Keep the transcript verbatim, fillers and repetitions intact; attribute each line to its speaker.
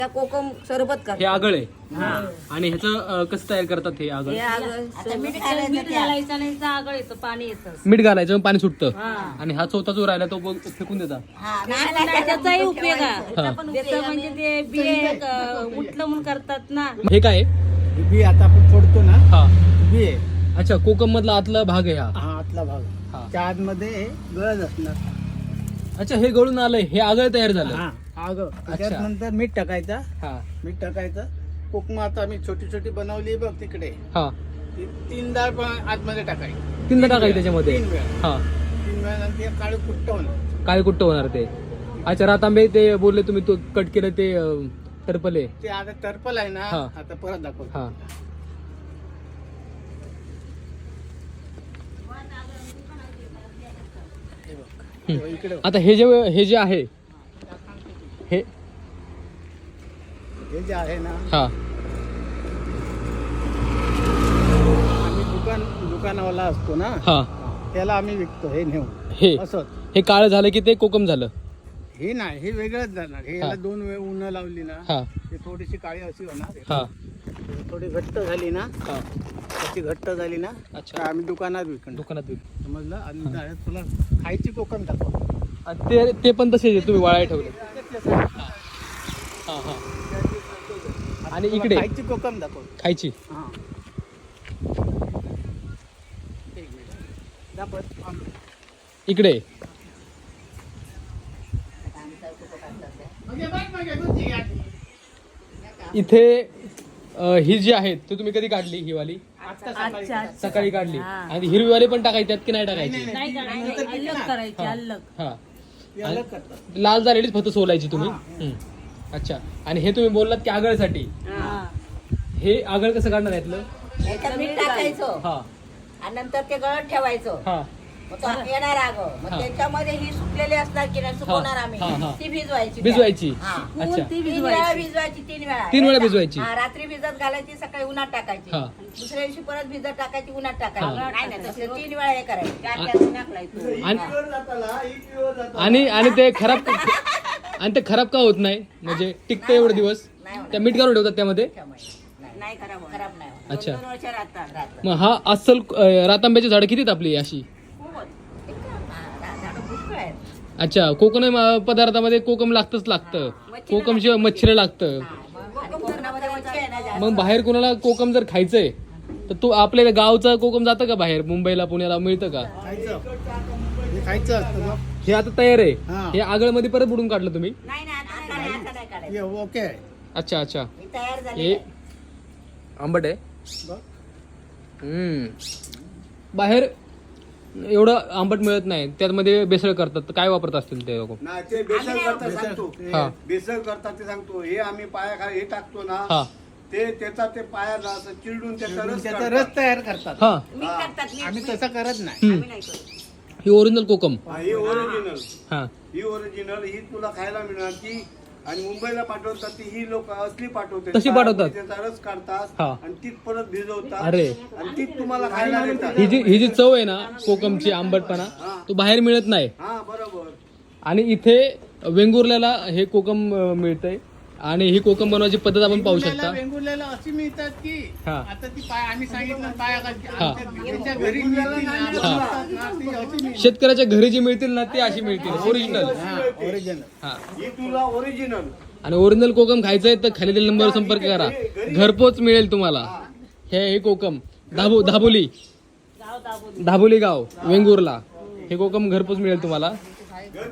Speaker 1: कोकम सरबत करतात.
Speaker 2: हे आगळ आहे आणि ह्याचं कसं तयार करतात हे आगळ?
Speaker 1: हे आगळ
Speaker 3: मीठ घालायचं नाही तर आगळ येतं, पाणी येतं.
Speaker 2: मीठ घालायचं मग पाणी सुटतं आणि हा चौथा जो राहिला तो बघ फेकून देतात.
Speaker 3: त्याचाही उपयोग आहे. त्याचं म्हणजे ते बिये अं, उठलं म्हणून करतात ना.
Speaker 2: हे काय आहे?
Speaker 4: बी आता आपण फोडतो ना,
Speaker 2: हा
Speaker 4: बी आहे
Speaker 2: अच्छा, कोकम मधला आतला भाग आहे हा.
Speaker 4: हा आतला भाग.
Speaker 2: हा.
Speaker 4: त्या आतमध्ये गळज असणार.
Speaker 2: अच्छा, हे गळून आलंय, हे आगळ तयार झालं.
Speaker 4: हा आग
Speaker 2: अच्छा.
Speaker 4: त्याच्यानंतर मीठ टाकायचा.
Speaker 2: हा
Speaker 4: मीठ टाकायचं. कोकम आता आम्ही छोटी छोटी बनवली बघ तिकडे,
Speaker 2: हा
Speaker 4: ती तीन डाळ पण आतमध्ये टाकायची.
Speaker 2: तीनदा टाकायचं त्याच्यामध्ये.
Speaker 4: तीन वेळा
Speaker 2: हा
Speaker 4: तीन वेळा नंतर ते काळे कुट्ट होणार.
Speaker 2: काय कुट्ट होणार ते. अच्छा, रातांबे ते बोलले तुम्ही तो कट केलं ते अं, टरपले.
Speaker 4: ते आता टर्पल आहे ना,
Speaker 2: हा.
Speaker 4: आता परत दाखवतो.
Speaker 2: हा
Speaker 4: तेव्हा इकडे
Speaker 2: आता हे जे हे जे आहे हे
Speaker 4: हे जे आहे ना,
Speaker 2: हा
Speaker 4: आम्ही दुकान दुकानावाला असतो ना,
Speaker 2: हा
Speaker 4: त्याला आम्ही विकतो हे नेऊन.
Speaker 2: हे
Speaker 4: असं
Speaker 2: हे काळं झालं की ते कोकम झालं.
Speaker 4: हे नाही, हे वेगळंच जाणार. हे
Speaker 2: हा.
Speaker 4: याला दोन वेळ उन्ह लावली ना,
Speaker 2: हा
Speaker 4: ते थोडीशी काळी अशी होणार.
Speaker 2: हा
Speaker 4: थोडी घट्ट झाली ना,
Speaker 2: हा
Speaker 4: अशी घट्ट झाली ना,
Speaker 2: अच्छा.
Speaker 4: तर आम्ही दुकानात विकतो.
Speaker 2: दुकानात विक.
Speaker 4: समजलं? आणि direct तुला खायची कोकम दाखव.
Speaker 2: आणि ते ते पण तसे तुम्ही वाळाय ठेवले. हा हा आणि इकडे
Speaker 4: खायची कोकम दाखव.
Speaker 2: खायची.
Speaker 4: हा एक मिनिट दाखव.
Speaker 2: इकडे इथे अं, ही जी आहेत ते तुम्ही कधी काढली ही वाली?
Speaker 3: अच्छा,
Speaker 2: सकाळी काढली. आणि हिरवी वाली पण टाकायची त्यात की नाही टाकायची?
Speaker 3: नाही करायचं, अलग करायची, अलग.
Speaker 2: हा
Speaker 4: हे अलग करतात.
Speaker 2: लाल झालेलीच फक्त सोलायची तुम्ही. हम्म. अच्छा, आणि हे तुम्ही बोललात की आगळसाठी.
Speaker 3: हा.
Speaker 2: हे आगळ कसं काढणार यातलं?
Speaker 1: याच्यात मीठ टाकायचं
Speaker 2: हा
Speaker 1: आणि नंतर ते गळत ठेवायचं.
Speaker 2: हा
Speaker 1: मग तो येणार आग, मग
Speaker 2: हा.
Speaker 1: त्याच्यामध्ये ही सुकलेली असणार की नाही, सुकवणार आम्ही.
Speaker 2: हा, हा.
Speaker 1: ती भिजवायची.
Speaker 2: भिजवायची.
Speaker 1: हा.
Speaker 2: अच्छा.
Speaker 3: ती
Speaker 1: तीन वेळा
Speaker 3: भिजवायची.
Speaker 1: भिजवायची. तीन वेळा
Speaker 2: तीन वेळा भिजवायची.
Speaker 1: हा, रात्री भिजत घालायची, सकाळी उन्हात टाकायची.
Speaker 2: हा.
Speaker 1: दुसऱ्या दिवशी परत भिजत टाकायची, उन्हात
Speaker 2: हा.
Speaker 1: टाकायची. नाही नाही, तसे तीन वेळा हे करायचं. चार
Speaker 2: आ-
Speaker 1: चार उन्हात लावायचं.
Speaker 2: आणि
Speaker 4: प्युअर जाताला, ही प्युअर जाताला.
Speaker 2: आणि आणि ते खराब आणि ते खराब का होत नाही? म्हणजे टिकतं एवढे दिवस?
Speaker 1: नाही होणार.
Speaker 2: त्या मीठ घालून ठेवतात त्यामध्ये.
Speaker 1: नाही नाही, खराब होणार. खराब नाही होणार.
Speaker 2: अच्छा.
Speaker 1: दोन वर्ष राहतात.
Speaker 2: मग हा अस्सल अं, रातांब्याची झाडं किती आपली अशी?
Speaker 1: खूप होत. एक का? हा, झाडं पुष्कळ आहेत.
Speaker 2: अच्छा, कोकण अं, पदार्थामध्ये कोकम लागतच लागतं. कोकम शिवाय मच्छर लागतं.
Speaker 1: आणि कोकणामध्ये मच्छी आहे ना जास्त.
Speaker 2: मग बाहेर कोणाला कोकम जर खायचंय तर तू आपल्या गावचं कोकम जातं का बाहेर? मुंबईला पुण्याला मिळतं का?
Speaker 4: खायचं. हे खायचं असतं बघ.
Speaker 2: हे आता तयार आहे.
Speaker 4: हा.
Speaker 2: हे आगळमध्ये परत बुडून काढलं तुम्ही?
Speaker 1: नाही नाही, आता नाही, आता नाही काढायचं.
Speaker 4: हे ओके आहे.
Speaker 2: अच्छा अच्छा.
Speaker 1: ही तयार झाली
Speaker 2: हे
Speaker 1: आहे.
Speaker 2: आंबट आहे.
Speaker 4: बघ.
Speaker 2: हम्म. बाहेर एवढं आंबट मिळत नाही, त्यामध्ये बेसळ करतात. तर काय वापरत असतील ते लोक?
Speaker 5: नाही ते बेसळ करता सांगतो
Speaker 2: हा.
Speaker 5: बेसळ करता ते सांगतो. हे आम्ही पाया खा हे टाकतो ना,
Speaker 2: हा
Speaker 5: ते त्याचा ते पायाला असं चिरडून त्याचा रस
Speaker 4: त्याचा
Speaker 5: काढतात.
Speaker 4: रस तयार करतात.
Speaker 2: हा
Speaker 1: मीठ टाकतात, मीठ,
Speaker 4: आम्ही
Speaker 1: मीठ.
Speaker 4: तसं करत नाही.
Speaker 2: हम्म.
Speaker 1: आम्ही नाही करत.
Speaker 2: ही ओरिजिनल कोकम.
Speaker 5: हा, ही ओरिजिनल
Speaker 2: हा
Speaker 5: ही ओरिजिनल ही तुला खायला मिळणार ती. आणि मुंबईला पाठवतात ती ही लोक असली पाठवतात.
Speaker 2: तशी पाठवतात?
Speaker 5: त्याचा रस काढतात
Speaker 2: हा.
Speaker 5: आणि तीच परत भिजवतात.
Speaker 2: अरे.
Speaker 5: आणि तीच तुम्हाला खायला देतात.
Speaker 2: ही जी ही जी चव आहे ना कोकमची आंबटपणा, तो बाहेर मिळत नाही.
Speaker 5: हा बरोबर.
Speaker 2: आणि इथे वेंगुर्ल्याला हे कोकम अं, मिळतंय. आणि ही कोकम बनवायची पद्धत आपण पाहू
Speaker 4: वेंगुर्ल्याला
Speaker 2: शकता.
Speaker 4: वेंगुर्ल्याला अशी मिळतात की
Speaker 2: हा.
Speaker 4: आता ती पाय आम्ही सांगितलं पाया घालते.
Speaker 2: हा.
Speaker 4: आमच्या त्याच्या घरी मिळतील ना,
Speaker 2: हा.
Speaker 4: मिळतात ना, ती अशी मिळतात.
Speaker 2: शेतकऱ्याच्या घरी जी मिळतील ना ती अशी मिळतील ओरिजिनल.
Speaker 4: हा, ओरिजिनल.
Speaker 2: हा.
Speaker 5: ही तुला ओरिजिनल.
Speaker 2: आणि ओरिजिनल कोकम खायचंय तर खालील नंबरवर संपर्क करा. घरपोच मिळेल तुम्हाला. हे हे कोकम दाबो दाबोली दाबोली गाव वेंगुर्ला. हे कोकम घरपोच मिळेल तुम्हाला.